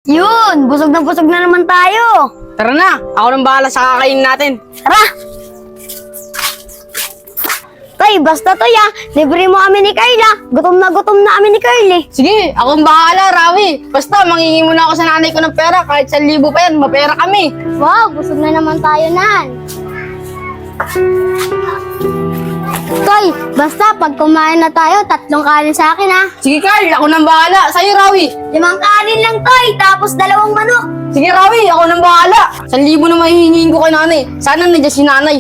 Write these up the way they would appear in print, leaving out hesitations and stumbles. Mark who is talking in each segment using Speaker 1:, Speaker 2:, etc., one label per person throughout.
Speaker 1: Yun! Busog na naman tayo!
Speaker 2: Tara na, ako nang bahala sa kakainin natin.
Speaker 1: Tara! Tay, basta Toy libre mo kami ni Carla. Gutom na kami ni Carly.
Speaker 2: Sige, akong bahala, Rawi. Basta, mangingi muna ako sa nanay ko ng pera. Kahit 1,000 pa yan, mapera kami.
Speaker 1: Wow, busog na naman tayo nan. Toy, basta pag kumain na tayo, 3 kanin sa akin ha.
Speaker 2: Sige, Carl, ako nang bahala. Sa'yo, Rawi.
Speaker 1: 5 kanin lang Toy, tapos 2 manok.
Speaker 2: Sige, Rawi, ako nang bahala. 1,000 na mahihingin ko kay nanay. Sana nandiyan si nanay.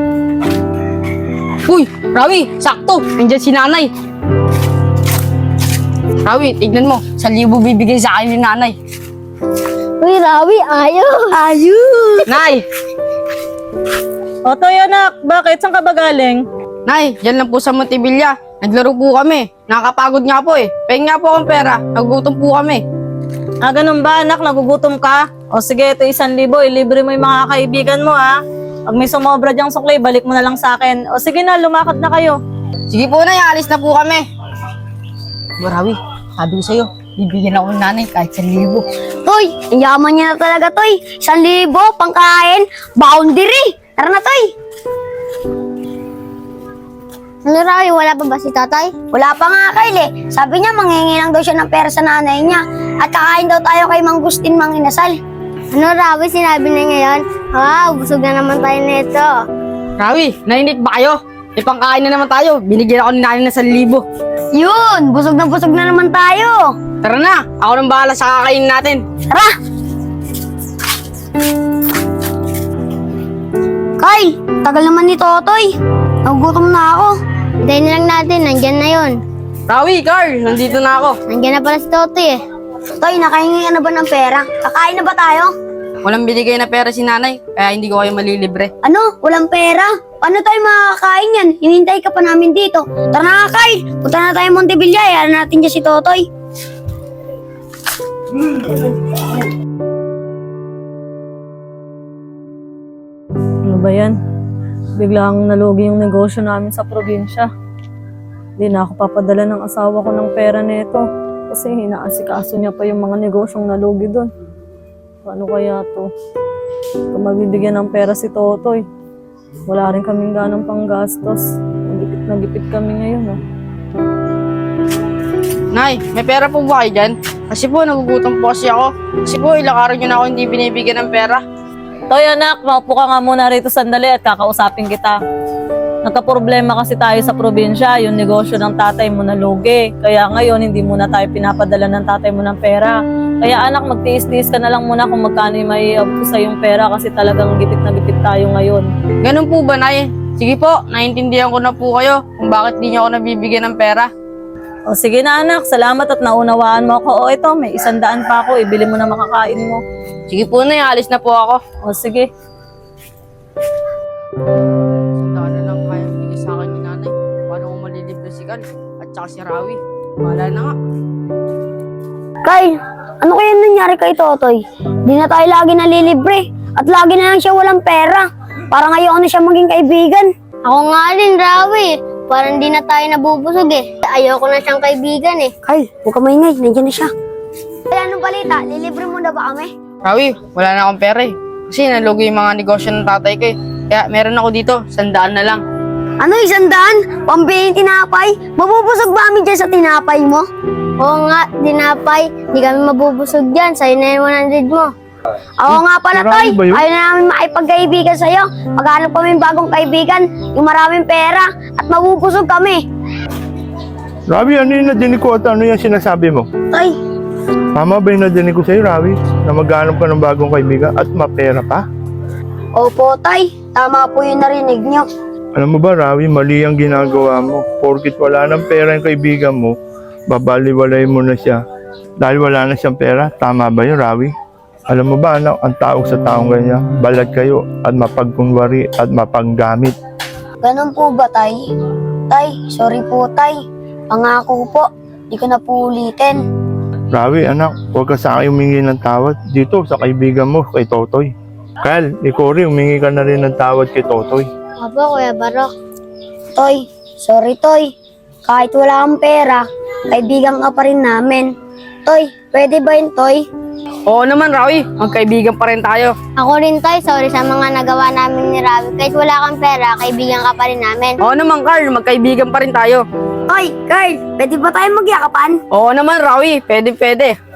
Speaker 2: Uy, Rawi, sakto. Nandiyan si nanay. Rawi, tignan mo. 1,000 bibigay sa akin ni nanay.
Speaker 1: Uy, Rawi, ayos.
Speaker 2: Nay!
Speaker 3: O, Toy, anak, bakit? Saan ka ba galing?
Speaker 2: Nay, dyan lang po sa Montevilla. Naglaro po kami. Nakakapagod nga po eh. Pahing nga po akong pera. Nagugutom po kami.
Speaker 3: Ah, ganun ba, anak? Nagugutom ka? O, sige, ito 1,000. Ilibre mo yung mga kaibigan mo, ha? Pag may sumobra dyang sukli, balik mo na lang sa akin. O, sige na, lumakad na kayo.
Speaker 2: Sige po, Nay. Alis na po kami. Rawi, sabi ko sa'yo, bibigyan ako ng nanay kahit 1,000.
Speaker 1: Toy, ang yaman niya na talaga Toy. 1,000, pangkain, boundary. Tara na Toy. Ano Rawi, wala pa ba si tatay? Wala pa nga Kyle Sabi niya manghingi lang daw siya ng pera sa nanay niya. At kakain daw tayo kay Mang Gustin Mang Inasal. Ano Rawi, sinabi na ngayon? Wow, busog na naman tayo nito.
Speaker 2: Rawi, nainit ba kayo? Ipangkain na naman tayo. Binigyan ako ni nanay ng 1,000.
Speaker 1: Yun, busog na naman tayo.
Speaker 2: Tara na, ako nang bahala sa kakainin natin.
Speaker 1: Tara! Kyle, tagal naman ni Totoy. Nagugutom na ako. Hintayin na lang natin, nandyan na yun.
Speaker 2: Rawi, Carl, nandito na ako.
Speaker 1: Nandyan na pala si Totoy eh. Toy, nakahingi ka na ba ng pera? Kakain na ba tayo?
Speaker 2: Walang binigay na pera si nanay, kaya hindi ko kayo malilibre.
Speaker 1: Ano? Walang pera? Paano tayo makakain yan? Hinintay ka pa namin dito. Tara na Kyle, punta na tayo Montevilla. Hayaan natin dyan si Totoy.
Speaker 3: Ano ba yan? Biglang nalugi yung negosyo namin sa probinsya. Hindi na ako papadala ng asawa ko ng pera nito. Kasi hinaasikaso niya pa yung mga negosyong nalugi doon. Paano kaya to? Kung mabibigyan ng pera si Totoy, wala rin kaming ganang panggastos. Nagipit na gipit kami ngayon.
Speaker 2: Nay, may pera po ba kayo dyan? Kasi po, nagugutom po kasi ako. Kasi po, ilang araw nyo na ako hindi binibigyan ng pera.
Speaker 3: Toy, anak, maupo ka nga muna rito sandali at kakausapin kita. Nagka-problema kasi tayo sa probinsya, yung negosyo ng tatay mo nalugi. Kaya ngayon, hindi muna tayo pinapadala ng tatay mo ng pera. Kaya anak, magtiis-tiis ka na lang muna kung magkano yung maiabot sa yung pera kasi talagang gipit na gipit tayo ngayon.
Speaker 2: Ganun po ba, Nay? Sige po, naiintindihan ko na po kayo kung bakit di nyo ako nabibigyan ng pera.
Speaker 3: O sige na anak, salamat at naunawaan mo ako. O ito, may 100 pa ako, ibili mo na makakain mo.
Speaker 2: Sige po, Nay, alis na po ako.
Speaker 3: O sige.
Speaker 2: 100 na lang kaya binigay sa akin ni nanay. Paano ko malilibre si Carl at saka si Rawi? Wala na nga.
Speaker 1: Kyle, ano kaya nangyari kay Totoy? Di na tayo lagi nalilibre. At lagi na lang siya walang pera. Parang ayaw na siya maging kaibigan. Ako nga din, Rawi. Parang di na tayo nabubusog eh. Ayoko na siyang kaibigan eh. Kyle, huwag ka maingay. Nandiyan na siya. Kaya anong balita? Lilibre mo na ba kami?
Speaker 2: Rawi, wala na akong pera eh. Kasi nalugi yung mga negosyo ng tatay ko eh. Kaya meron ako dito, 100 na lang.
Speaker 1: Ano, 100? Pambili tinapay? Mabubusog ba kami dyan sa tinapay mo? Oo nga, tinapay. Hindi kami mabubusog dyan. Sa'yo na yung 100 mo. Oo nga pala, Toy. Ayaw na namin makipagkaibigan sa'yo. Maghanap kami ng bagong kaibigan, yung maraming pera, at mabubusog kami.
Speaker 4: Ravi, ano yung nadinig ko at ano yung sinasabi mo?
Speaker 1: Toy,
Speaker 4: Tama ba yung nadinig ko sa'yo, Ravi? Na maghanap ka ng bagong kaibigan at mapera pa?
Speaker 1: opo, Toy. Tama po yung narinig nyo.
Speaker 4: Alam mo ba, Ravi, mali ang ginagawa mo. Porkit wala ng pera yung kaibigan mo, babaliwalay mo na siya. Dahil wala na siyang pera, tama ba yun, Ravi? Alam mo ba, anak, ang tao sa taong ganyan, balad kayo at mapagkunwari at mapanggamit.
Speaker 1: Ganun po ba, Tay? Tay, sorry po, Tay. Pangako po, di ko na po ulitin.
Speaker 4: Ravi, anak, huwag ka sa akin humingi ng tawad dito sa kaibigan mo, kay Totoy. Kyle, ikaw rin, humingi ka na rin ng tawad kay Totoy.
Speaker 1: Apo, Kuya Barok. Toy, sorry, Toy. Kahit wala kang pera, kaibigan ka pa rin namin. Toy, pwede ba yun, Toy?
Speaker 2: Oo naman, Rawi. Magkaibigan pa rin tayo.
Speaker 1: Ako rin, Toy. Sorry sa mga nagawa namin ni Rawi. Kahit wala kang pera, kaibigan ka pa rin namin.
Speaker 2: Oo naman, Carl. Magkaibigan pa rin tayo.
Speaker 1: Toy, Carl, pwede ba tayo magyakapan?
Speaker 2: Oo naman, Rawi. Pwede.